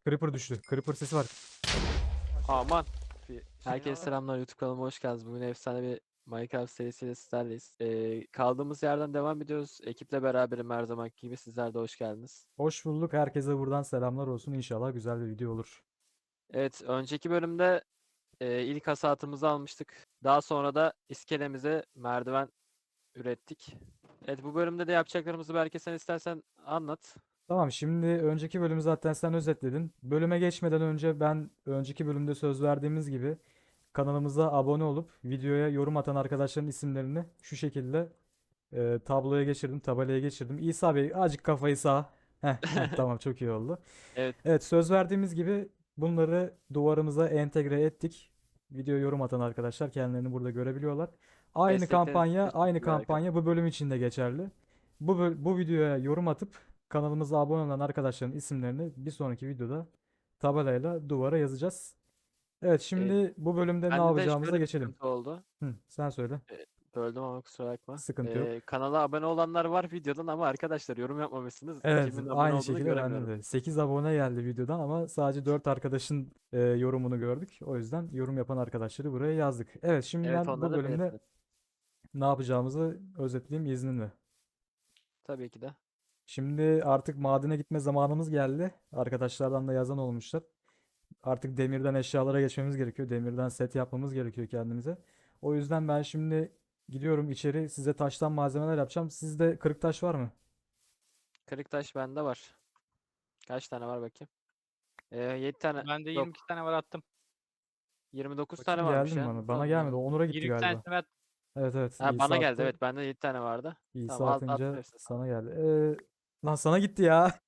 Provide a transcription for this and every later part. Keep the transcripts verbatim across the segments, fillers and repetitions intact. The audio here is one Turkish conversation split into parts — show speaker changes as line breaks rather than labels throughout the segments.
Creeper düştü. Creeper sesi var.
Aman. Bir
Herkese
şey var.
selamlar, YouTube kanalıma hoş geldiniz. Bugün efsane bir Minecraft serisiyle sizlerleyiz. Ee, kaldığımız yerden devam ediyoruz. Ekiple beraberim her zamanki gibi. Sizler de hoş geldiniz.
Hoş bulduk. Herkese buradan selamlar olsun. İnşallah güzel bir video olur.
Evet, önceki bölümde e, ilk hasatımızı almıştık. Daha sonra da iskelemize merdiven ürettik. Evet, bu bölümde de yapacaklarımızı belki sen istersen anlat.
Tamam, şimdi önceki bölümü zaten sen özetledin. Bölüme geçmeden önce ben önceki bölümde söz verdiğimiz gibi kanalımıza abone olup videoya yorum atan arkadaşların isimlerini şu şekilde e, tabloya geçirdim, tabelaya geçirdim. İsa Bey azıcık kafayı sağa. Heh, heh, tamam, çok iyi oldu.
Evet,
Evet, söz verdiğimiz gibi bunları duvarımıza entegre ettik. Video yorum atan arkadaşlar kendilerini burada görebiliyorlar. Aynı
destekleriniz için
kampanya, aynı
teşekkürler arkadaşlar.
kampanya bu bölüm için de geçerli. Bu böl- bu videoya yorum atıp kanalımıza abone olan arkadaşların isimlerini bir sonraki videoda tabelayla duvara yazacağız. Evet,
Evet,
şimdi bu bölümde ne
bende de
yapacağımıza
şöyle bir
geçelim.
sıkıntı oldu.
Hı, sen söyle.
E, Böldüm ama kusura bakma.
Sıkıntı yok.
E, kanala abone olanlar var videodan ama arkadaşlar yorum yapmamışsınız.
Evet,
Kimin abone
aynı
olduğunu
şekilde bende
göremiyorum.
de. sekiz abone geldi videodan ama sadece dört arkadaşın e, yorumunu gördük. O yüzden yorum yapan arkadaşları buraya yazdık. Evet, şimdi
Evet,
ben bu
onları da
bölümde
belirtelim.
ne yapacağımızı özetleyeyim izninle.
Tabii ki de.
Şimdi artık madene gitme zamanımız geldi. Arkadaşlardan da yazan olmuşlar. Artık demirden eşyalara geçmemiz gerekiyor. Demirden set yapmamız gerekiyor kendimize. O yüzden ben şimdi gidiyorum içeri, size taştan malzemeler yapacağım. Sizde kırık taş var mı?
Kırık taş bende var. Kaç tane var bakayım? Ee, yedi tane.
Bende
Yok.
yirmi iki tane var attım.
yirmi dokuz tane
Bakayım, geldi
varmış
mi
ya.
bana?
Nasıl
Bana
oldu
gelmedi.
ya?
O Onur'a gitti
yirmi iki
galiba.
tanesini ben
Evet, evet.
Ha, bana
İsa
geldi.
attı.
Evet, bende yedi tane vardı.
İsa
Tamam, alt attım
atınca
hepsini sana.
sana geldi. Ee, lan sana gitti ya.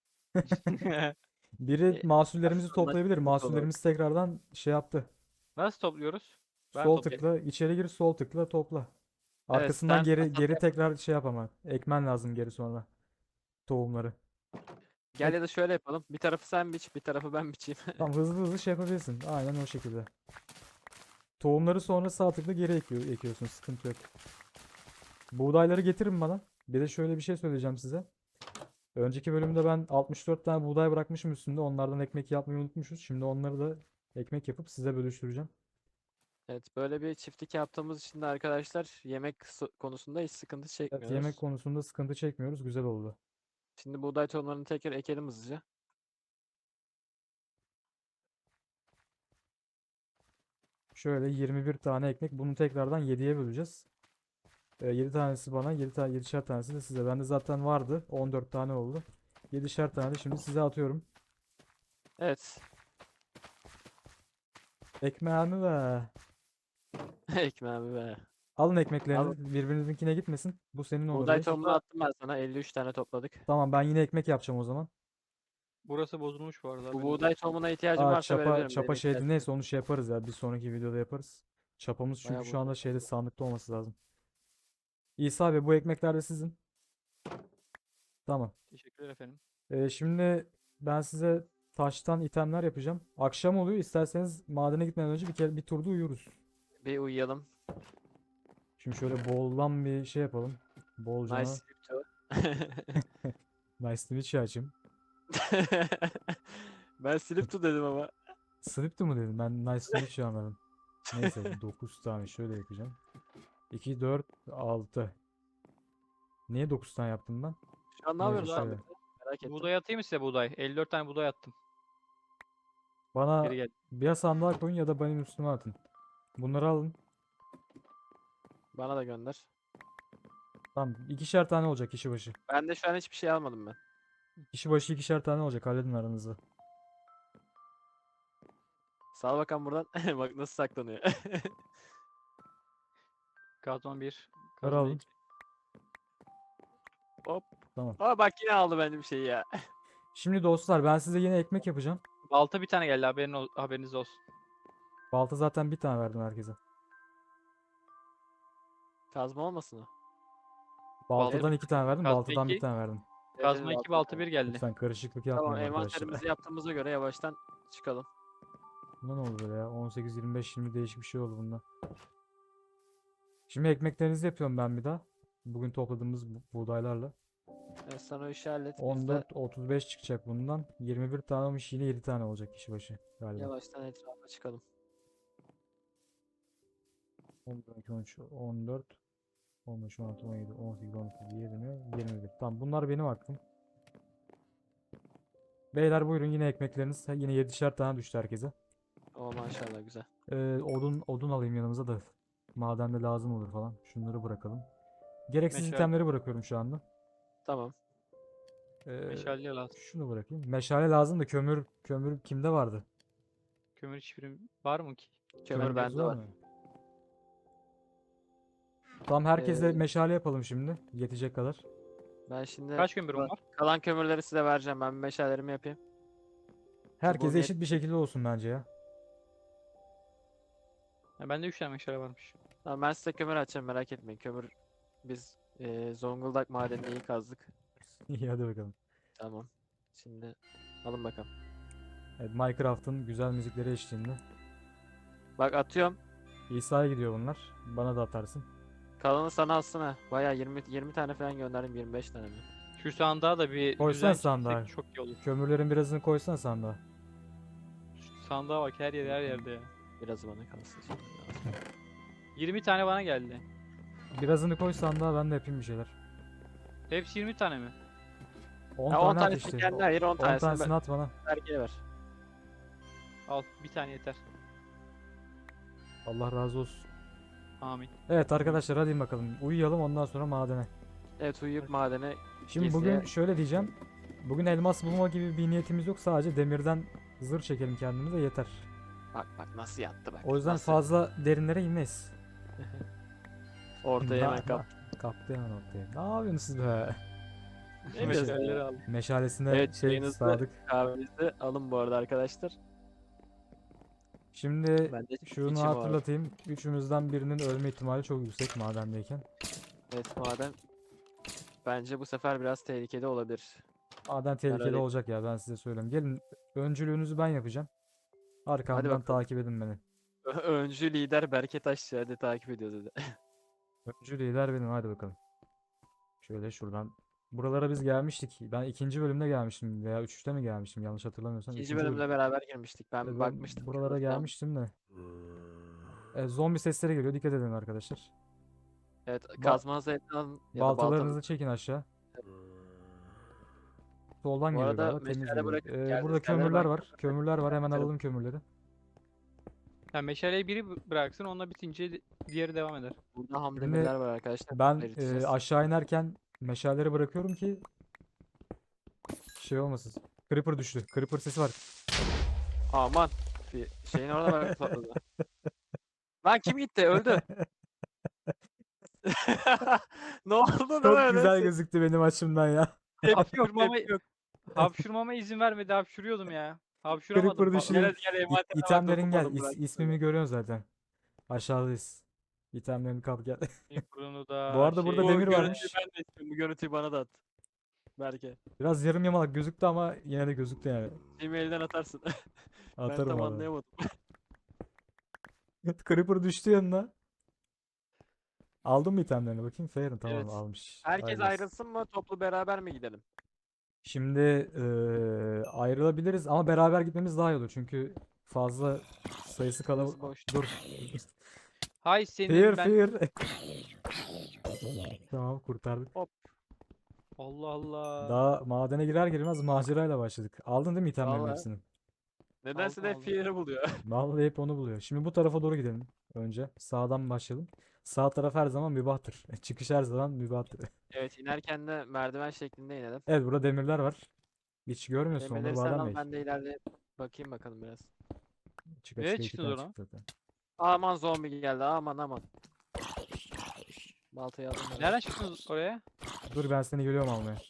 Biri
E,
mahsullerimizi
aslında
toplayabilir.
sıkıntı olur.
Mahsullerimiz tekrardan şey yaptı.
Nasıl topluyoruz? Ben
Sol
toplayayım.
tıkla içeri gir, sol tıkla topla.
Evet,
Arkasından
sen
geri
hasat
geri
yap.
tekrar şey yap ama. Ekmen lazım geri sonra. Tohumları.
Gel
Ek
ya da şöyle yapalım. Bir tarafı sen biç, bir tarafı ben biçeyim.
Tamam, hızlı hızlı şey yapabilirsin. Aynen o şekilde. Tohumları sonra sağ tıkla geri ekiyor, ekiyorsun. Sıkıntı yok. Buğdayları getirin bana. Bir de şöyle bir şey söyleyeceğim size. Önceki bölümde ben altmış dört tane buğday bırakmışım üstünde. Onlardan ekmek yapmayı unutmuşuz. Şimdi onları da ekmek yapıp size bölüştüreceğim.
Evet, böyle bir çiftlik yaptığımız için de arkadaşlar yemek so- konusunda hiç sıkıntı
Evet, yemek
çekmiyoruz.
konusunda sıkıntı çekmiyoruz. Güzel oldu.
Şimdi buğday tohumlarını tekrar ekelim hızlıca.
Şöyle yirmi bir tane ekmek. Bunu tekrardan yediye böleceğiz. Ee, yedi tanesi bana, yedi tane, yedişer tanesi de size. Bende zaten vardı. on dört tane oldu. yedişer tane de şimdi size atıyorum.
Evet.
Ekmeğimi ve
Ekmeğimi be.
alın
Al.
ekmeklerinizi. Birbirinizinkine gitmesin. Bu senin Onur
Buğday
Bey.
tohumunu
Burada
attım ben sana. elli üç tane topladık.
Tamam, ben yine ekmek yapacağım o zaman.
burası bozulmuş bu arada.
Bu
Haberiniz
buğday
olsun.
tohumuna ihtiyacım
Aa,
varsa
çapa
verebilirim.
çapa
Benim
şeydi,
ihtiyacım yok.
neyse onu şey yaparız ya. Bir sonraki videoda yaparız. Çapamız çünkü
Bayağı
şu anda
bozulmuş
şeyde,
oldu.
sandıkta olması lazım. İsa abi, bu ekmekler de sizin. Tamam.
Teşekkürler efendim.
Ee, şimdi ben size taştan itemler yapacağım. Akşam oluyor. İsterseniz madene gitmeden önce bir kere bir turda uyuruz.
Bir uyuyalım.
Şimdi şöyle boldan bir şey yapalım.
Nice
Bolcana.
sleep too.
Nice to meet you hacım.
Ben sleep too dedim ama.
Sleep to mu dedim? Ben nice to meet you anladım. Neyse, dokuz tane şöyle yapacağım. iki, dört, altı. Niye dokuz tane yaptım ben?
Şu an ne
Neyse,
yapıyorsunuz
Burada
şöyle.
Ahmet'le? Merak ettim.
buğday atayım mı size buğday? elli dört tane buğday attım.
Bana
Geri gel.
bir sandığa koyun ya da benim üstüme atın. Bunları alın.
Bana da gönder.
Tamam, ikişer tane olacak kişi başı.
Ben de şu an hiçbir şey almadım ben.
Kişi başı ikişer tane olacak. Halledin aranızı.
Sal bakalım buradan. Bak nasıl saklanıyor.
Kazma bir.
Bunları
Kazma
alın.
iki.
Hop.
Tamam.
Aa bak yine aldı benim şeyi ya.
Şimdi dostlar, ben size yine ekmek yapacağım.
Balta bir tane geldi haberin ol- haberiniz olsun.
Balta zaten bir tane verdim herkese.
Kazma olmasın o?
Balta
Baltadan
bir
iki tane verdim.
kazma
Baltadan bir
iki.
tane verdim.
Evet, evet,
Kazma iki
altı
balta
tane.
bir geldi.
Lütfen karışıklık
Tamam,
yapmayın arkadaşlar.
envanterimizi yaptığımıza göre yavaştan çıkalım.
Bunda ne oldu böyle ya? on sekiz, yirmi beş, yirmi değişik bir şey oldu bunda. Şimdi ekmeklerinizi yapıyorum ben bir daha. Bugün topladığımız bu- buğdaylarla.
Evet, sen o işi hallet. Biz de
on dört otuz beş çıkacak bundan. yirmi bir tane olmuş, yine yedi tane olacak kişi başı galiba.
yavaştan etrafa çıkalım.
on bir, on iki, on üç, on dört, on beş, on altı, on yedi, on sekiz, on dokuz, yirmi, yirmi bir. Tamam, bunlar benim hakkım. Beyler buyurun, yine ekmekleriniz. Yine yedişer tane düştü herkese.
O maşallah güzel.
Ee, odun odun alayım yanımıza da. Madende lazım olur falan. Şunları bırakalım. Gereksiz
Meşale.
itemleri bırakıyorum şu anda.
Tamam.
Ee,
Meşale lazım.
şunu bırakayım. Meşale lazım da kömür kömür kimde vardı?
Kömür hiçbirim var mı ki?
Kömür
Kömürünüz
bende var.
mı? Tamam, herkese
Ee,
meşale yapalım şimdi. Yetecek kadar.
Ben şimdi
Kaç kömürüm
Bak,
var?
kalan kömürleri size vereceğim. Ben bir meşalelerimi yapayım.
Herkese
net-
eşit bir şekilde olsun bence ya.
Ha, bende üç tane meşale varmış.
Tamam, ben size kömür açacağım, merak etmeyin. Kömür biz eee, Zonguldak madenini iyi kazdık.
İyi, hadi bakalım.
Tamam. Şimdi alın bakalım.
Evet, Minecraft'ın güzel müzikleri eşliğinde.
Bak atıyorum.
İsa'ya gidiyor bunlar. Bana da atarsın.
Kalanı sana alsın ha. Bayağı yirmi yirmi tane falan gönderdim. yirmi beş tane mi?
Şu sandığa da bir
Koysana
düzen
sandığa.
çizsek çok iyi olur.
Kömürlerin birazını koysana sandığa.
Şu sandığa bak, her yer her yerde ya.
Biraz bana kalsın şimdi lazım.
yirmi tane bana geldi.
Birazını koy sandığa, ben de yapayım bir şeyler.
Hepsi yirmi tane mi?
on
Ya on
tane at
tanesini
işte.
kendi ayır, on
on
tanesini
tanesini at bana.
Berke'ye ver.
Al, bir tane yeter.
Allah razı olsun.
Amin.
Evet arkadaşlar, hadi bakalım. Uyuyalım, ondan sonra madene.
Evet, uyuyup madene
Şimdi
Geziye-
bugün şöyle diyeceğim. Bugün elmas bulma gibi bir niyetimiz yok. Sadece demirden zırh çekelim kendimize, yeter.
bak bak nasıl yattı bak.
O yüzden
nasıl-
fazla derinlere inmeyiz.
Ortaya
Na-
hemen kap.
na- Kaptı hemen ortaya. Ne yapıyorsunuz siz be?
Evet.
Meşaleleri al.
Meşalesine
Evet,
şey
çayınızı-
sadık.
Kahvenizi alın bu arada arkadaşlar.
Şimdi
Ben de
şunu
içim var.
hatırlatayım. Üçümüzden birinin ölme ihtimali çok yüksek madendeyken.
Evet, maden bence bu sefer biraz tehlikeli olabilir.
Maden tehlikeli
öyle-
olacak ya, ben size söyleyeyim. Gelin, öncülüğünüzü ben yapacağım. Arkamdan
bakalım.
takip edin beni.
Ö- Öncü lider Berke Taşçı hadi takip ediyor dedi.
Öncü lider benim, hadi bakalım. Şöyle şuradan. Buralara biz gelmiştik. Ben ikinci bölümde gelmiştim veya üçte mi gelmiştim, yanlış hatırlamıyorsam.
İkinci
İkinci
bölümde
bölüm-
beraber girmiştik. Ben
Evet, ben
bakmıştım.
buralara
şurada tam.
gelmiştim de. E, zombi sesleri geliyor, dikkat edin arkadaşlar.
Evet, kazmanızı eline alın ya da
Baltalarınızı
baltanızı.
çekin aşağı. Soldan
Bu
geliyor
arada
galiba, temiz
meşale
geliyor.
bırakıp
E,
geldiğiniz
burada
yerlere
kömürler
ben
var.
kömür
Kömürler var, hemen
bırakırım.
alalım kömürleri.
Yani meşaleyi biri bı- bıraksın, onunla bitince di- diğeri devam eder.
Burada ham
Şimdi
demirler var arkadaşlar.
Ben
eriteceğiz.
e, aşağı inerken meşaleleri bırakıyorum ki şey olmasın. Creeper düştü. Creeper sesi var.
Aman. Bir şeyin orada bak patladı. Lan kim gitti? Öldü. Ne oldu lan
Çok
öyle?
güzel gözüktü benim açımdan ya.
Tepki yok,
Hapşurmama,
tepki yok.
hapşurmama izin vermedi, hapşuruyordum ya. Hapşuramadım.
Creeper
patladı.
düştü.
Gel hadi gel,
İ-
envantere bak,
İtemlerin gel.
dokunmadım
İs-
bırak.
ismimi görüyorsun zaten. Aşağıdayız. İtemlerini kap gel.
Bunu da
Bu arada burada
şey-
Bu
demir
görüntüyü
varmış.
ben de istiyorum. Bu görüntüyü bana da at. Berke.
Biraz yarım yamalak gözüktü ama yine de gözüktü yani.
Gmail'den atarsın. Ben
Atarım
tam
abi.
anlayamadım.
Creeper düştü yanına. Aldın mı itemlerini bakayım? Fair'ın tamam,
Evet.
almış.
Herkes
Hayırlısı.
ayrılsın mı? Toplu beraber mi gidelim?
Şimdi eee, ayrılabiliriz ama beraber gitmemiz daha iyi olur. Çünkü fazla sayısı kalabalık.
boş.
Dur.
Hay senin
Fear
ben.
fear. Tamam, kurtardık.
Allah Allah.
Daha madene girer girmez macerayla başladık. Aldın değil mi itemlerin
Vallahi.
hepsini?
Nedense
Aldım,
de
aldım.
Fear'ı buluyor.
Vallahi hep onu buluyor. Şimdi bu tarafa doğru gidelim önce. Sağdan başlayalım. Sağ taraf her zaman mübahtır. Çıkış her zaman mübahtır.
Evet, inerken de merdiven şeklinde inelim.
Evet, burada demirler var. Hiç görmüyorsun onları
Demirleri sen
Badem
al,
Bey.
ben de ileride bakayım bakalım biraz.
Çıka
Nereye
çıka iki
çıktınız
tane
oradan?
çıktı zaten.
Aman zombi geldi, aman aman. Baltayı aldım ben.
Nereden çıktınız oraya?
Dur, ben seni geliyorum almaya.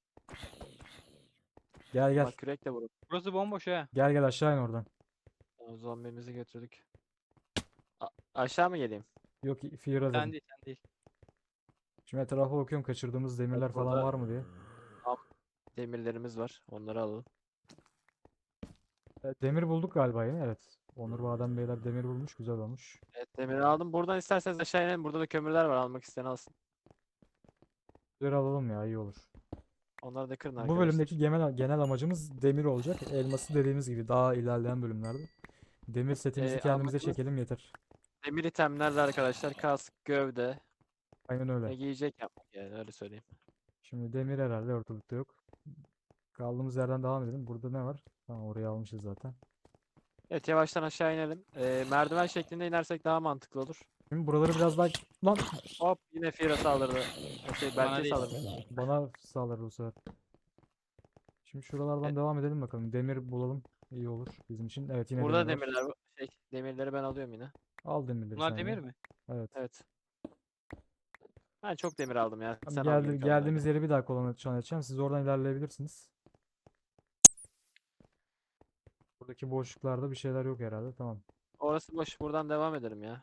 Gel gel.
Bak kürek de vurup.
Burası bomboş ha.
Gel gel aşağı in oradan.
Tamam, zombimizi götürdük. A- aşağı mı geleyim?
Yok, Fear'a
Sen
dedim.
değil, sen değil.
Şimdi etrafa bakıyorum, kaçırdığımız demirler falan
burada-
var mı diye.
Demirlerimiz var. Onları alalım.
Evet, demir bulduk galiba yine, evet. Onur Badem Beyler demir bulmuş, güzel olmuş.
Evet, demiri aldım. Buradan isterseniz aşağı inelim. Burada da kömürler var. Almak isteyen alsın.
Güzel alalım ya, iyi olur.
Onları da kırın
Bu
arkadaşlar.
bölümdeki genel, genel amacımız demir olacak. Elması dediğimiz gibi daha ilerleyen bölümlerde. Demir setimizi
Ee,
kendimize
amacımız
çekelim yeter.
demir itemlerle arkadaşlar kask, gövde
Aynen öyle.
ve giyecek yapmak yani öyle söyleyeyim.
Şimdi demir herhalde ortalıkta yok. Kaldığımız yerden devam edelim. Burada ne var? Tamam, orayı almışız zaten.
Evet yavaştan aşağı inelim. Ee, merdiven şeklinde inersek daha mantıklı olur.
Şimdi buraları biraz daha... Lan!
Hop yine Fira saldırdı. Şey,
Bana
Berke
değil.
saldırdı.
Bana sağlar bu sefer. Şimdi şuralardan
Evet.
devam edelim bakalım. Demir bulalım. İyi olur bizim için. Evet, yine
Burada
demir var.
demirler var. Şey, demirleri ben alıyorum yine.
Al demirleri
Bunlar
sen
demir
ya.
mi?
Evet.
Evet. Ben çok demir aldım ya.
Tamam,
Sen al
geldi,
geri kalanları.
geldiğimiz yeri bir daha kontrol edeceğim. Siz oradan ilerleyebilirsiniz. Buradaki boşluklarda bir şeyler yok herhalde. Tamam.
Orası boş. Buradan devam edelim ya.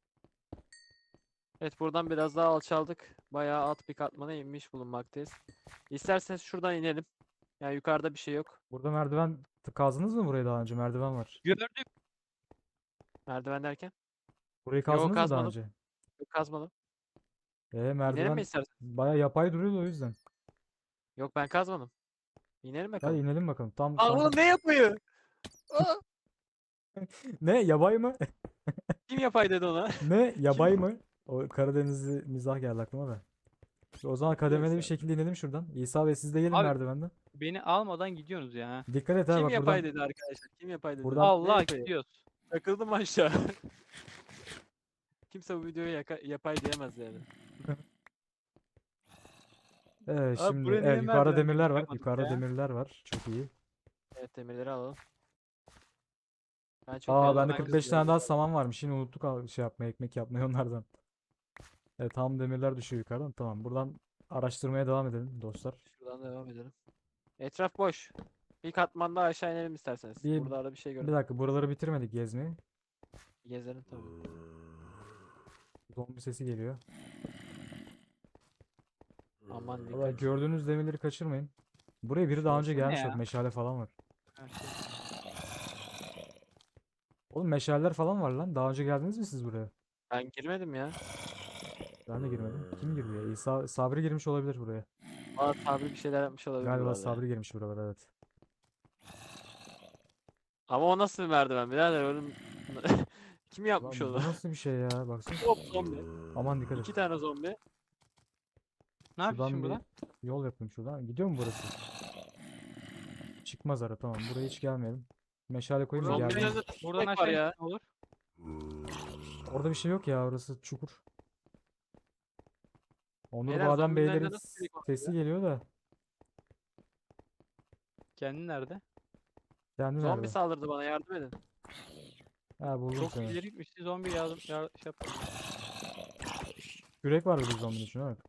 Evet buradan biraz daha alçaldık. Bayağı alt bir katmana inmiş bulunmaktayız. İsterseniz şuradan inelim. Yani yukarıda bir şey yok.
Burada merdiven t- kazdınız mı burayı daha önce? Merdiven var.
Gördüm.
Merdiven derken?
Burayı
Yok
kazdınız mı daha
kazmadım.
önce?
Yok kazmadım.
Ee,
İnelim mi
merdiven
istersen?
baya yapay duruyordu o yüzden.
Yok ben kazmadım. İnelim
Hadi
bakalım.
inelim bakalım. Tam
Aa
tam.
oğlum ne yapıyor? Aa,
Ne? Yabay mı?
kim yapay dedi ona?
Ne? Yabay mı? O Karadenizli mizah geldi aklıma da. O zaman kademeli bir
Yoksa.
şekilde inelim şuradan. İsa Bey siz de gelin
Abi
merdivenden.
beni almadan gidiyorsunuz ya. ha.
Dikkat et ha
Kim
bak
yapay
buradan.
dedi arkadaşlar? Kim yapay dedi?
Buradan-
Ne
Allah
yapayı?
gidiyoruz.
Takıldım aşağı. Kimse bu videoya yaka- yapay diyemez yani.
Evet
Abi
şimdi
buraya niye
evet yukarıda
merdiven
demirler
gibi
var.
yapmadık
Yukarıda
ya?
demirler var. Çok iyi.
Evet demirleri alalım. Ben çok
Aa
geldim.
bende
ben
kırk beş
kızıyorum.
tane daha saman varmış. Yine unuttuk al- şey yapmayı, ekmek yapmayı onlardan. Evet tam demirler düşüyor yukarıdan. Tamam buradan araştırmaya devam edelim dostlar.
Şuradan devam edelim. Etraf boş. Bir katmanda aşağı inelim isterseniz.
Bir,
Burada arada bir şey
bir
gördüm.
dakika buraları bitirmedik gezmeyi.
Gezelim tabii.
Zombi sesi geliyor.
Aman
Valla
dikkat.
gördüğünüz demirleri kaçırmayın. Buraya biri daha önce
Şurası
ne
gelmiş bak
ya?
meşale falan var.
Ha, şey.
Oğlum meşaleler falan var lan. Daha önce geldiniz mi siz buraya?
Ben girmedim ya.
Ben de girmedim. Kim girdi ya? İsa, Sabri girmiş olabilir buraya.
Aa Sabri bir şeyler yapmış olabilir
Galiba
buralarda.
Sabri girmiş buralara evet.
Ama o nasıl bir merdiven birader oğlum. Kim yapmış
Lan bu
onu?
nasıl bir şey ya? Baksana.
Hop zombi.
Aman dikkat et.
İki tane zombi.
Ne yapıyorsun
Şuradan bir
burada?
yol yapayım şuradan. Gidiyor mu burası? Çıkmaz ara tamam. Buraya hiç gelmeyelim. Meşale koyayım da
Buradan
geldim.
Zombilerde
Buradan
tek var
aşağı
ya.
ya. Olur.
Orada bir şey yok ya. Orası çukur. Onur
Beyler,
Badem
zombilerden
Beylerin
nasıl direkt oluyor
sesi geliyor da.
Kendin nerede?
Kendi
Zombi
nerede?
saldırdı bana yardım edin.
Ha buldum
Çok
seni.
ileri gitmişti zombi yardım yar, şey yapar.
Yürek var bir zombinin şuna bak.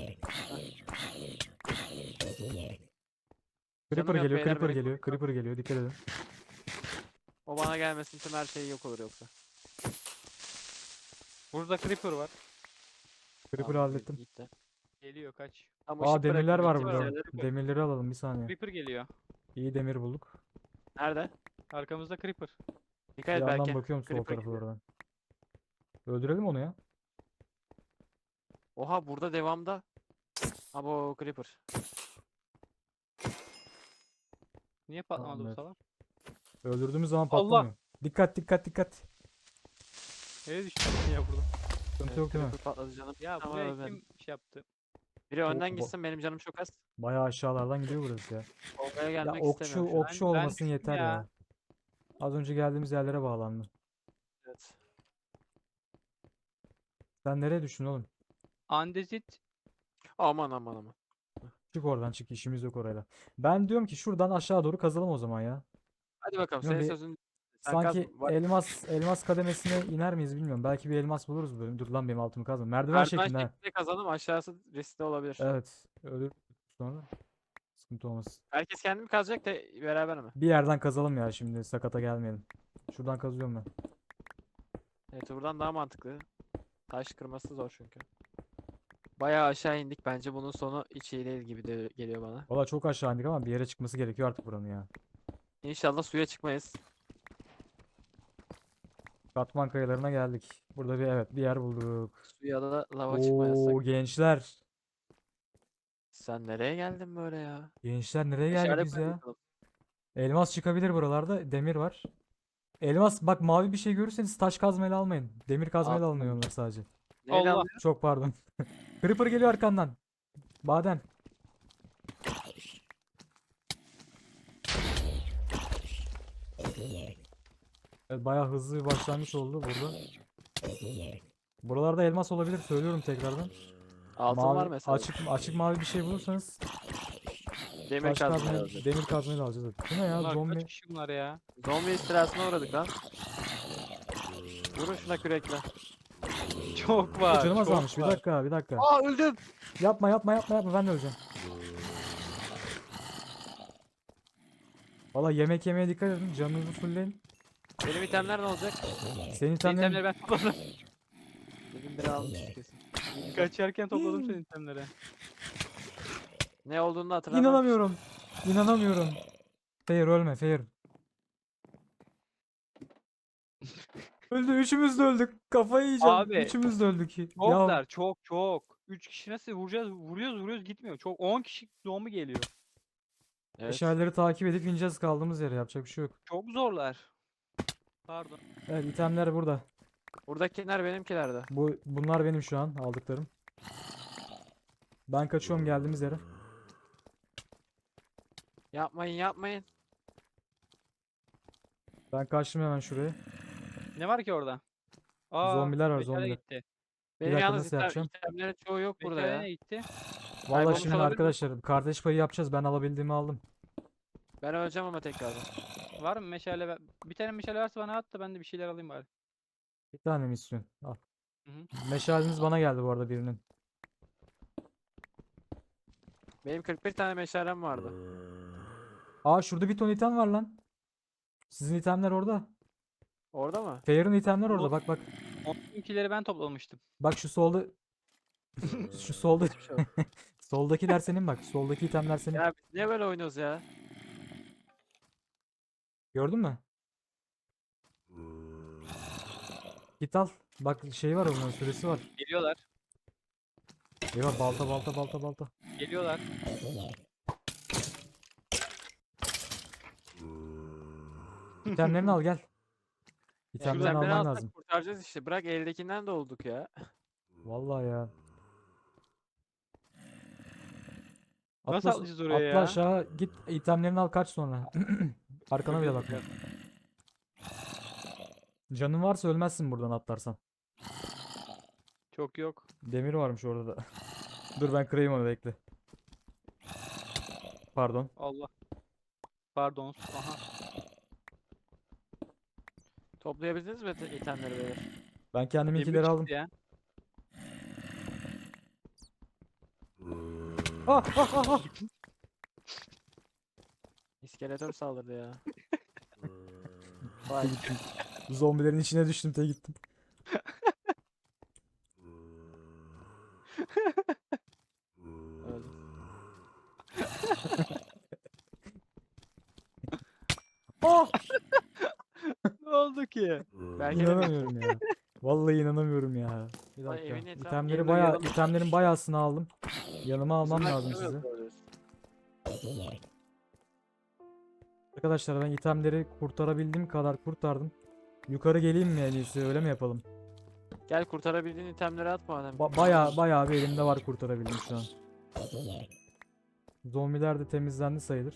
Creeper
yok
geliyor,
beyler,
Creeper
beni
geliyor, Creeper geliyor. Dikkat edin.
O bana gelmesin tüm her şey yok olur yoksa.
Burada creeper var.
Creeper'ı
Tamam,
hallettim.
gitti.
Geliyor kaç.
Tam
Aa
ışık
demirler
bırakın,
var
gittiğimiz
burada.
yerlere koy.
Demirleri alalım bir saniye.
Creeper geliyor.
İyi demir bulduk.
Nerede?
Arkamızda creeper.
Dikkat
Bir
et
yandan
belki.
bakıyorum sol
Creeper
tarafa
geliyor.
oradan. Öldürelim onu ya.
Oha burada devamda. Abo creeper.
Niye patlamadı bu
Tamamdır.
salak?
Öldürdüğümüz zaman
Allah!
patlamıyor. Dikkat dikkat dikkat.
Nereye düştün ya burada?
Sıkıntı
Evet,
yok değil mi?
creeper patladı canım.
Ya
Ama
buraya
ölmedim.
kim şey yaptı?
Biri önden
bo-
gitsin benim canım çok az.
Bayağı aşağılardan gidiyor burası ya.
Olmaya
Ya
gelmek
okçu
istemiyorum şu an.
okçu
Ben- ben
olmasın
düştüm
yeter ya.
ya.
Az önce geldiğimiz yerlere bağlandı.
Evet.
Sen nereye düştün oğlum?
Andezit
Aman aman aman.
Çık oradan çık işimiz yok orayla. Ben diyorum ki şuradan aşağı doğru kazalım o zaman ya.
Hadi bakalım
Yok,
senin
bir-
sözün. Sen
Sanki
kaz. Var-
elmas elmas kademesine iner miyiz bilmiyorum. Belki bir elmas buluruz bu bölüm. Dur lan benim altımı kazma. Merdiven
Merdiven
şeklinde. ha.
şeklinde kazalım aşağısı riskli olabilir.
Evet. Ölür sonra. Sıkıntı olmasın.
Herkes kendi mi kazacak da beraber mi?
Bir yerden kazalım ya şimdi sakata gelmeyelim. Şuradan kazıyorum ben.
Evet buradan daha mantıklı. Taş kırması zor çünkü. Bayağı aşağı indik. Bence bunun sonu hiç iyi değil gibi de geliyor bana.
Valla çok aşağı indik ama bir yere çıkması gerekiyor artık buranın ya.
İnşallah suya çıkmayız.
Katman kayalarına geldik. Burada bir evet bir yer bulduk.
Suya da lava çıkmayız.
Oo gençler.
Sen nereye geldin böyle ya?
Gençler nereye geldik
Meşale
biz
koy
ya?
bakalım.
Elmas çıkabilir buralarda. Demir var. Elmas bak mavi bir şey görürseniz taş kazmayla almayın. Demir kazmayla alınıyor
Aldım.
onlar sadece.
Neyle
Allah.
alıyor?
Çok pardon. Creeper geliyor arkandan. Baden. Evet, bayağı hızlı bir başlangıç oldu burada. Buralarda elmas olabilir söylüyorum tekrardan.
Altın
Mavi,
var mesela.
açık açık mavi bir şey bulursanız
Demir
taş
kazmayı
kazmayı,
alacağız.
demir kazmayı da alacağız. Bu ne ya
Bunlar
zombi?
kaç kişi bunlar ya?
Zombi istilasına uğradık lan. Vurun şuna kürekle.
Çok var.
Canım
çok
azalmış. Bir
var.
dakika, bir dakika.
Aa öldüm.
Yapma, yapma, yapma, yapma. Ben de öleceğim. Valla yemek yemeye dikkat edin. Canınızı fullleyin.
Benim itemler ne olacak?
Senin
Senin
itemlerin
itemleri ben topladım.
Dedim biri almış kesin.
Kaçarken topladım senin itemleri.
Ne olduğunu da hatırlamıyorum.
İnanamıyorum. İnanamıyorum. Fair ölme, Fair. Öldü. Üçümüz de öldük. Kafayı yiyeceğim.
Abi,
Üçümüz de öldük. Ya
Çoklar çok çok. üç kişi nasıl vuracağız? Vuruyoruz vuruyoruz gitmiyor. Çok on kişi zombi geliyor.
Evet.
meşaleleri takip edip ineceğiz kaldığımız yere. Yapacak bir şey yok.
Çok zorlar. Pardon.
Evet, itemler burada.
Buradakiler benimkilerde.
Bu bunlar benim şu an aldıklarım. Ben kaçıyorum geldiğimiz yere.
Yapmayın yapmayın.
Ben kaçtım hemen şuraya.
Ne var ki orada? Aa,
Zombiler var,
meşale
zombiler.
gitti.
Benim
dakika,
yalnız
nasıl
item,
yapacağım?
itemlerin çoğu yok burada
Meşale
ya.
ne gitti?
Vallahi
Kaybolmuş
şimdi
olabilir mi?
arkadaşlar kardeş payı yapacağız. Ben alabildiğimi aldım.
Ben öleceğim ama tekrardan.
Var mı meşale? ver- Bir tane meşale varsa bana at da ben de bir şeyler alayım bari.
Bir tane mi istiyorsun? Al.
Hı hı.
Meşaleniz bana geldi bu arada birinin.
Benim kırk bir tane meşalem vardı.
Aa şurada bir ton item var lan. Sizin itemler orada.
Orada mı?
Fair'ın itemler orada.
Bu-
Bak bak.
Onunkileri ben toplamıştım.
Bak şu solda. Şu solda.
Hiçbir şey yok.
Soldakiler senin bak. Soldaki itemler senin.
Ya biz niye böyle oynuyoruz ya?
Gördün mü? Git al. Bak şey var onun süresi var.
Geliyorlar.
Eyvah balta balta balta balta.
Geliyorlar.
İtemlerini al gel.
Ya
İtemlerini
itemleri
alman
alsak
lazım.
kurtaracağız işte. Bırak eldekinden de olduk ya.
Vallahi ya.
Nasıl
Atla,
atlayacağız oraya
atla
ya?
aşağı git itemlerini al kaç sonra. Arkana bile bakma. Canın varsa ölmezsin buradan atlarsan.
Çok yok.
Demir varmış orada da. Dur ben kırayım onu bekle. Pardon.
Allah. Pardon. Aha.
Toplayabildiniz mi ite- itemleri beyler?
Ben
Demir
kendiminkileri
çıktı
aldım.
ya.
Ah ah ah ah.
İskeletor saldırdı ya. Vay.
Zombilerin içine düştüm te gittim.
Öldüm.
Ah!
Ne oldu ki?
Belki de
İnanamıyorum ya. Vallahi inanamıyorum ya. Bir
Vay,
dakika.
evin etrafını
İtemleri
yerine
bayağı,
uyuyalım.
itemlerin bayağısını aldım. Yanıma almam
Bizimle
lazım
kim
size.
öldürüyoruz?
Arkadaşlar ben itemleri kurtarabildiğim kadar kurtardım. Yukarı geleyim mi en iyisi öyle mi yapalım?
Gel kurtarabildiğin itemleri at madem.
Ba bayağı bayağı bir elimde var kurtarabildim şu an. Zombiler de temizlendi sayılır.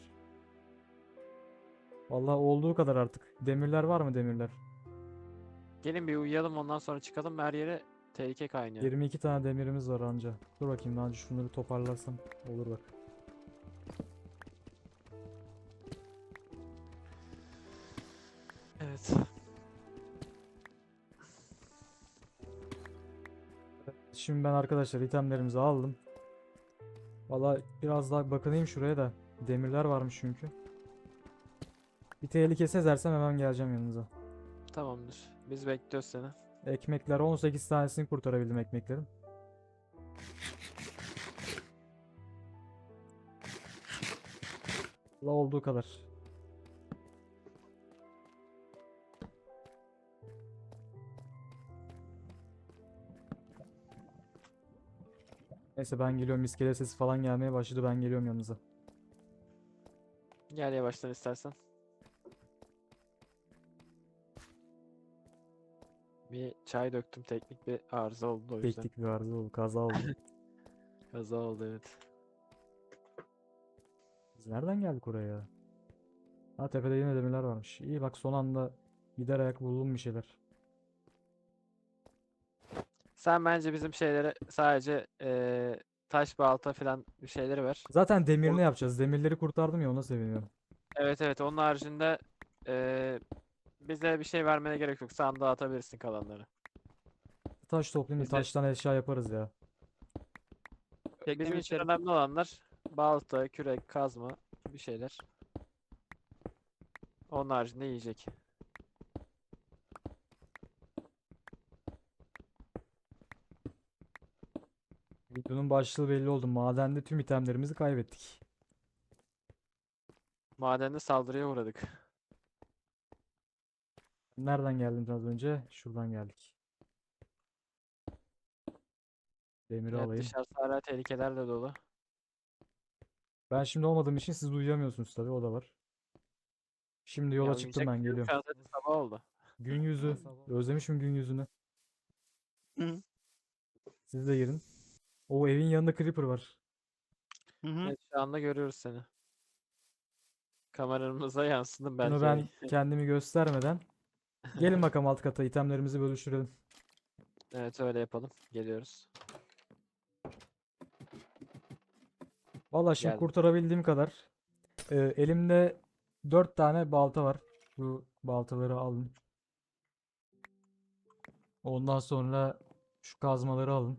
Vallahi olduğu kadar artık. Demirler var mı demirler?
Gelin bir uyuyalım ondan sonra çıkalım her yere tehlike kaynıyor.
yirmi iki tane demirimiz var anca. Dur bakayım daha önce şunları toparlarsam olur bak.
Evet.
Şimdi ben arkadaşlar itemlerimizi aldım. Vallahi biraz daha bakınayım şuraya da. Demirler varmış çünkü. Bir tehlike sezersem hemen geleceğim yanınıza.
Tamamdır. Biz bekliyoruz seni.
Ekmekler on sekiz tanesini kurtarabildim ekmeklerin. La olduğu kadar. Neyse ben geliyorum. İskele sesi falan gelmeye başladı. Ben geliyorum yanınıza.
Gel yavaştan istersen. Bir çay döktüm, teknik bir arıza oldu o yüzden.
Teknik bir arıza oldu. Kaza oldu.
Kaza oldu, evet.
Biz nereden geldik oraya ya? Ha, tepede yine demirler varmış. İyi bak, son anda gider ayak buldum bir şeyler.
Sen bence bizim şeyleri sadece eee, taş balta falan bir şeyleri ver.
Zaten demirini
Onu-
yapacağız. Demirleri kurtardım ya, ona seviniyorum.
Evet evet, onun haricinde eee, bize bir şey vermene gerek yok. Sandığa atabilirsin kalanları.
Taş toplayayım da
Biz de-
taştan eşya yaparız ya.
Bizim
Teknemi
için
isterim.
önemli olanlar balta, kürek, kazma bir şeyler. Onun haricinde yiyecek.
Videonun başlığı belli oldu. Madende tüm itemlerimizi kaybettik.
Madende saldırıya uğradık.
Nereden geldin az önce? Şuradan geldik. Demiri
Evet,
alayım.
dışarısı hala tehlikelerle dolu.
Ben şimdi olmadığım için siz uyuyamıyorsunuz tabii, o da var. Şimdi yola
Ya
çıktım,
uyuyacak
ben
bir şey yok.
geliyorum.
Şu an zaten sabah oldu.
Gün yüzü. Özlemişim gün yüzünü.
Hı
Siz de girin. O evin yanında creeper var.
hı. hı.
Evet, şu anda görüyoruz seni. Kameramıza yansıdım
Bunu
belki.
ben kendimi göstermeden. Gelin bakalım alt kata, itemlerimizi bölüştürelim.
Evet, öyle yapalım. Geliyoruz.
Valla şimdi
Geldim.
kurtarabildiğim kadar. Ee, elimde dört tane balta var. Bu baltaları alın. Ondan sonra şu kazmaları alın.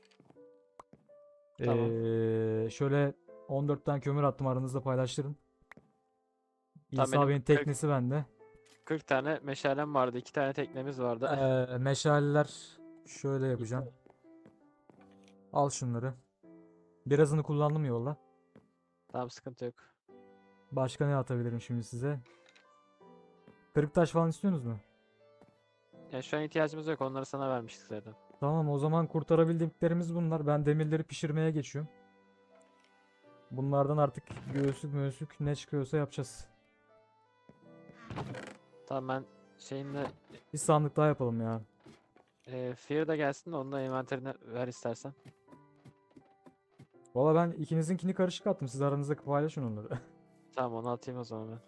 Tamam.
Ee, şöyle on dört tane kömür attım, aranızda paylaştırın.
Tamam,
İsa
benim
Bey'in
kırk,
teknesi bende.
kırk tane meşalem vardı. iki tane teknemiz vardı.
Ee, meşaleler şöyle yapacağım. Al şunları. Birazını kullandım yolda.
Tamam, sıkıntı yok.
Başka ne atabilirim şimdi size? Kırık taş falan istiyorsunuz mu?
Ya şu an ihtiyacımız yok. Onları sana vermiştik zaten.
Tamam, o zaman kurtarabildiklerimiz bunlar. Ben demirleri pişirmeye geçiyorum. Bunlardan artık göğüslük möğüslük ne çıkıyorsa yapacağız.
Tamam, ben şeyinle
Bir sandık daha yapalım ya.
e, Fear da gelsin de onu da envanterine ver istersen.
Valla ben ikinizinkini karışık attım. Siz aranızda paylaşın onları.
Tamam, onu atayım o zaman ben.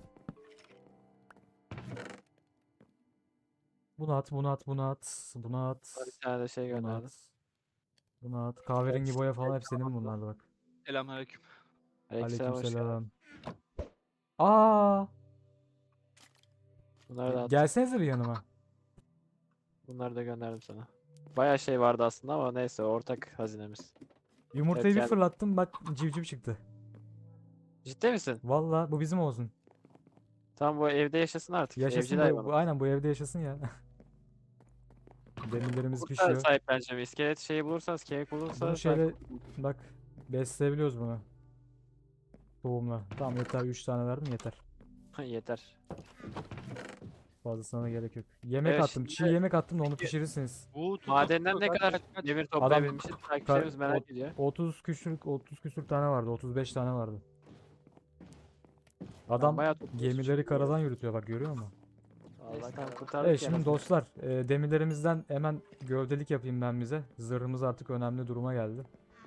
Bunu at, bunu at, bunu at, bunu at,
Sana bir tane de şey
bunu
gönderdim.
at. Bunu at. Kahverengi boya falan hep senin bunlarda bak.
Selamünaleyküm.
Aleykümselam, hoş geldin.
Aleykümselam. Aa,
Bunları da attım.
gelsenize bir yanıma.
Bunları da gönderdim sana. Bayağı şey vardı aslında ama neyse, ortak hazinemiz.
Yumurtayı
Evet,
bir
gel.
fırlattım, bak civciv çıktı.
Ciddi misin?
Valla bu bizim olsun.
Tamam, bu evde yaşasın artık.
Yaşasın
Evcil
bu,
hayvan.
bu aynen bu evde yaşasın ya. Demirlerimiz
Bulursa
pişiyor.
sahipleneceğim. İskelet şeyi bulursanız, kemik
Bunu
bulursa
şeyle
sahip.
bak, besleyebiliyoruz bunu. Tohumla. Tamam yeter, üç tane verdim yeter.
Yeter.
Fazlasına da gerek yok. Yemek
Evet,
attım. Çiğ
şimdi
yemek attım da onu
Peki,
pişirirsiniz.
Bu tutu
madenden
tutu
ne
kaç
kadar
kaç kaç.
demir
Adam
toplayabilmişiz?
ka-
Takipçilerimiz merak
ot-
ediyor.
otuz küsür otuz küsür tane vardı. otuz beş tane vardı.
Tamam,
Adam
bayağı toplamışız.
gemileri karadan yürütüyor bak, görüyor musun?
Vallahi tamam,
Evet
kurtardık
şimdi
yani.
dostlar, e, demirlerimizden hemen gövdelik yapayım ben bize. Zırhımız artık önemli duruma geldi.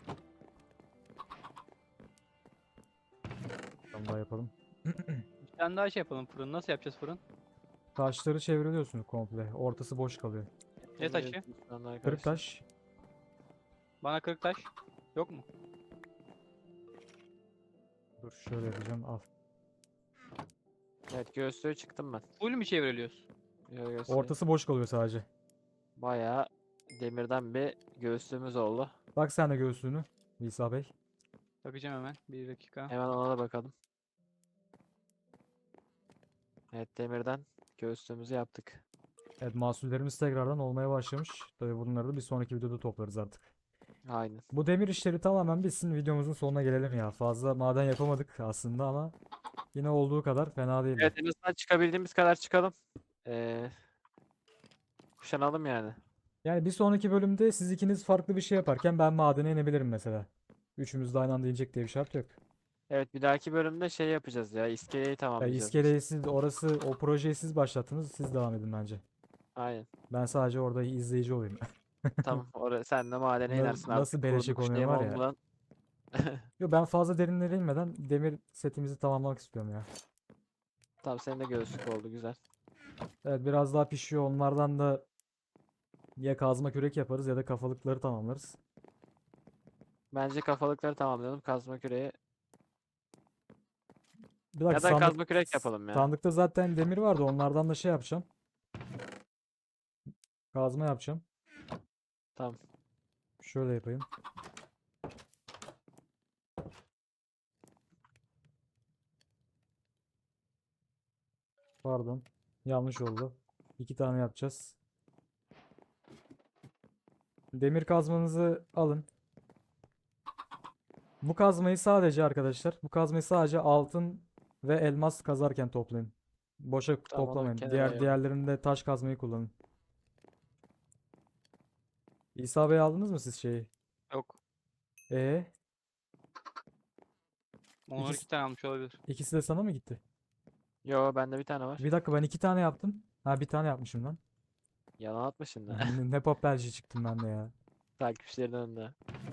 Tamam, daha yapalım.
Bir tane daha şey yapalım, fırın. Nasıl yapacağız fırın?
Taşları çevriliyorsunuz komple. Ortası boş kalıyor.
Ne taşı?
Şu anda
Kırık
arkadaşlar.
taş.
Bana kırık taş. Yok mu?
Dur şöyle yapacağım, al.
Evet, göğüslüğe çıktım ben.
Full mü çevriliyoruz?
Yo, göğüslüğe.
Ortası boş kalıyor sadece.
Bayağı demirden bir göğüslüğümüz oldu.
Bak sen de göğsünü İsa Bey.
Bakacağım hemen. Bir dakika.
Hemen ona da bakalım. Evet, demirden göğüslüğümüzü yaptık.
Evet, mahsullerimiz tekrardan olmaya başlamış. Tabii bunları da bir sonraki videoda toplarız artık.
Aynen.
Bu demir işleri tamamen bitsin, videomuzun sonuna gelelim ya. Fazla maden yapamadık aslında ama yine olduğu kadar fena değildi.
Evet, en azından çıkabildiğimiz kadar çıkalım. Ee, kuşanalım yani.
Yani bir sonraki bölümde siz ikiniz farklı bir şey yaparken ben madene inebilirim mesela. Üçümüz de aynı anda inecek diye bir şart yok.
Evet, bir dahaki bölümde şey yapacağız ya. İskeleyi
Ya
tamamlayacağız biz.
iskeleyi siz orası o projeyi siz başlattınız. Siz devam edin bence.
Aynen.
Ben sadece orada izleyici olayım.
Tamam. Oraya sen de madene
Na-
inersin
Nasıl
artık.
beleşe
Kurduğum
konuyor
şeyim
var ya.
olmadan.
Yo, ben fazla derinlere inmeden demir setimizi tamamlamak istiyorum ya.
Tamam, senin de göğüslük oldu, güzel.
Evet, biraz daha pişiyor. Onlardan da ya kazma kürek yaparız ya da kafalıkları tamamlarız.
Bence kafalıkları tamamlayalım. Kazma küreği.
Bir dakika,
Ya da
sandık,
kazma kürek yapalım ya.
sandıkta zaten demir vardı. Onlardan da şey yapacağım. Kazma yapacağım.
Tamam.
Şöyle yapayım. Pardon. Yanlış oldu. İki tane yapacağız. Demir kazmanızı alın. Bu kazmayı sadece arkadaşlar, bu kazmayı sadece altın ve elmas kazarken toplayın. Boşa
Tamam, onu
toplamayın.
kenara
Diğer
ayırdım.
diğerlerinde taş kazmayı kullanın. İsa Bey, aldınız mı siz şeyi?
Yok.
E
Onlar
İkisi-
iki tane almış olabilir.
ikisi de sana mı gitti?
Yo, bende bir tane var.
Bir dakika, ben iki tane yaptım. Ha, bir tane yapmışım lan.
Yalan atma şimdi.
Ne, ne papelci çıktım ben de ya.
Takipçilerin önünde.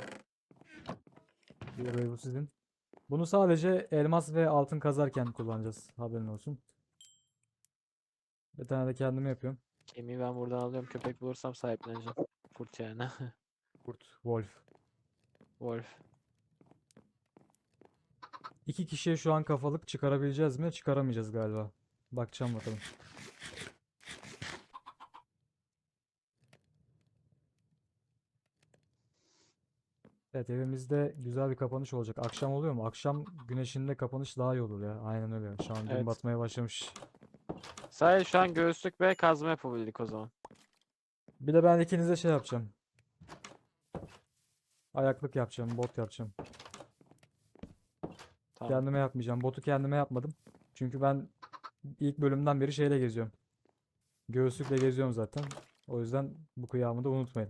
Bir bu sizin. Bunu sadece elmas ve altın kazarken kullanacağız. Haberin olsun. Bir tane de kendime yapıyorum.
Kemiği ben buradan alıyorum. Köpek bulursam sahipleneceğim. Kurt yani.
Kurt, Wolf.
Wolf.
İki kişiye şu an kafalık çıkarabileceğiz mi? Çıkaramayacağız galiba. Bakacağım bakalım. Evet, evimizde güzel bir kapanış olacak. Akşam oluyor mu? Akşam güneşinde kapanış daha iyi olur ya. Aynen öyle. Şu an gün
Evet.
batmaya başlamış.
Sadece şu an göğüslük ve kazma yapabildik o zaman.
Bir de ben ikinize şey yapacağım. Ayaklık yapacağım. Bot yapacağım.
Tamam.
Kendime yapmayacağım. Botu kendime yapmadım. Çünkü ben ilk bölümden beri şeyle geziyorum. Göğüslükle geziyorum zaten. O yüzden bu kıyamı da unutmayın.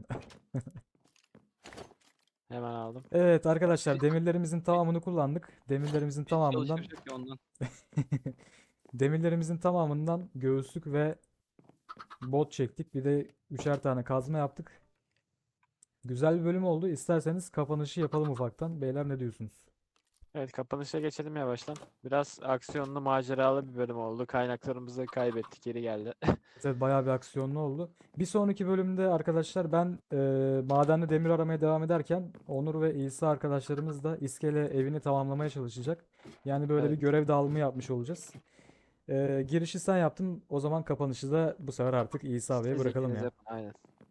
Hemen aldım.
Evet arkadaşlar, demirlerimizin tamamını kullandık. Demirlerimizin
Bizi
tamamından
çalıştıracak ya ondan.
demirlerimizin tamamından göğüslük ve bot çektik. Bir de üçer tane kazma yaptık. Güzel bir bölüm oldu. İsterseniz kapanışı yapalım ufaktan. Beyler, ne diyorsunuz?
Evet, kapanışa geçelim yavaştan. Biraz aksiyonlu, maceralı bir bölüm oldu. Kaynaklarımızı kaybettik, geri geldi.
Evet, bayağı bir aksiyonlu oldu. Bir sonraki bölümde arkadaşlar ben e, madende demir aramaya devam ederken Onur ve İsa arkadaşlarımız da iskele evini tamamlamaya çalışacak. Yani böyle bir
Evet.
görev dağılımı yapmış olacağız. E, girişi sen yaptın. O zaman kapanışı da bu sefer artık İsa Bey'e
Siz
bırakalım
ikiniz
ya.
yapın, aynen.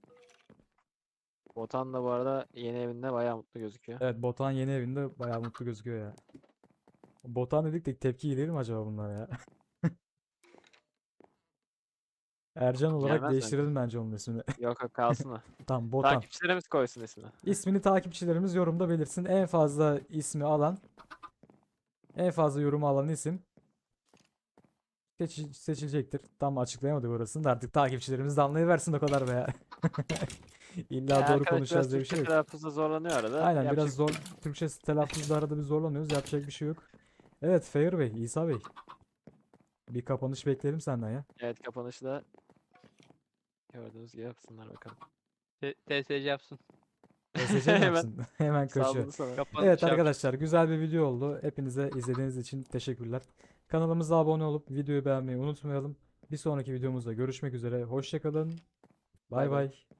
Botan da bu arada yeni evinde bayağı mutlu gözüküyor.
Evet, Botan yeni evinde bayağı mutlu gözüküyor ya. Botan dedik de tepki gelir mi acaba bunlara ya? Ercan olarak
Gelmez bence.
değiştirelim bence onun ismini.
Yok yok, kalsın o.
Tamam, Botan.
Takipçilerimiz koysun ismini.
İsmini takipçilerimiz yorumda belirtsin. En fazla ismi alan, en fazla yorumu alan isim seçi- seçilecektir. Tam açıklayamadık orasını da artık takipçilerimiz de anlayıversin o kadar be ya. İlla
Yani
doğru
arkadaş biraz
konuşacağız diye bir
Türkçe
şey yok.
telaffuzda zorlanıyor arada.
Aynen,
Yapacak
biraz zor. Türkçe telaffuzda arada bir zorlanıyoruz. Yapacak bir şey yok. Evet, Feyr Bey, İsa Bey. Bir kapanış bekleyelim senden ya.
Evet, kapanışı da gördüğünüz gibi yapsınlar bakalım.
T- TSC yapsın.
S S C mi
Hemen
yapsın? Hemen kaçıyor.
salladı sana.
Kapanış
Evet
yap.
arkadaşlar, güzel bir video oldu. Hepinize izlediğiniz için teşekkürler. Kanalımıza abone olup videoyu beğenmeyi unutmayalım. Bir sonraki videomuzda görüşmek üzere. Hoşça kalın. Bay
Bay bay.
bay.